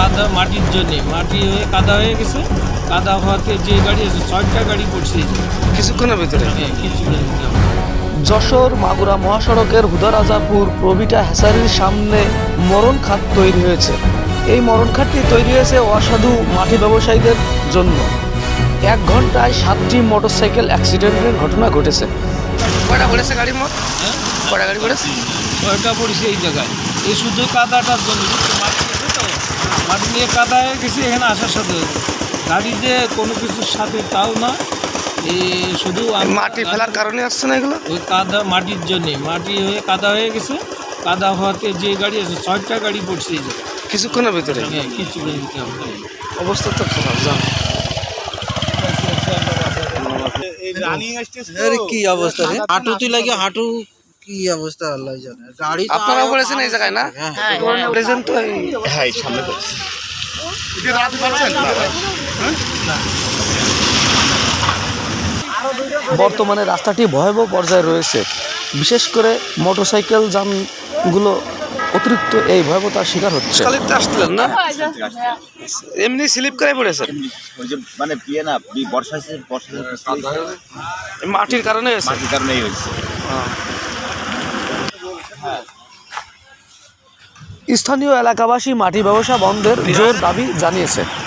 কাদা মাটির জন্যে মাটি হয়ে কাদা হয়ে গেছে। কাদা হওয়াতে যে গাড়ি আছে 6টা গাড়ি পড়ছে কিছুক্ষণের ভিতরে। কিছুক্ষণের ভিতরে। যশোর মাগুরা মহাসড়কের হুদারাজাপুর প্রবিটা হ্যাসারির সামনে মরণ খাত তৈরি হয়েছে। এই মরণ খাতটি তৈরি হয়েছে অসাধু মাটি ব্যবসায়ীদের জন্য। 1 ঘন্টায় 7টি মোটরসাইকেল অ্যাক্সিডেন্টের ঘটনা ঘটেছে। কয়টা পড়েছে গাড়ি মোট? কয়টা গাড়ি পড়েছে? 6টা পড়ছে এই জায়গায়। এই শুধু কাদাটার জন্য মাটি আছে তো, মাটি নিয়ে কাদা হয়ে গেছে এখানে আসার সাথে। গাড়ি যে কোনো কিছুর সাথে তাও না, এই শুধু মাটি ফেলার কারণে আসছে না এগুলো? ওই কাদা মাটির জন্যে মাটি হয়ে কাদা হয়ে গেছে। কাদা হওয়াতে যে গাড়ি আছে 6টা গাড়ি পড়ছে এই জায়গায় কিছুক্ষণের ভিতরে। কিছুক্ষণের ভিতরে। অবস্থা তো খারাপ, জান। কি অবস্থা রে? হাঁটু তুই লাগে হাঁটু কি অবস্থা আল্লাহ জানে। গাড়ি আপনারাও পড়েছেন এই জায়গায় না? পড়েছেন তো হ্যাঁ সামনে পড়ছে। বর্তমানে রাস্তাটি ভয়াবহ পর্যায়ে রয়েছে। বিশেষ করে মোটরসাইকেল যানগুলো অতিরিক্ত এই ভয়াবহতার শিকার হচ্ছে। কালিতে আসছিলেন না? এমনি স্লিপ করে পড়েছেন? ওই যে মানে বিয়ে না বর্ষা মাটির কারণে হয়েছে। মাটির কারণেই হয়েছে। স্থানীয় এলাকাবাসী মাটি ব্যবসা বন্ধের জোর দাবি জানিয়েছে।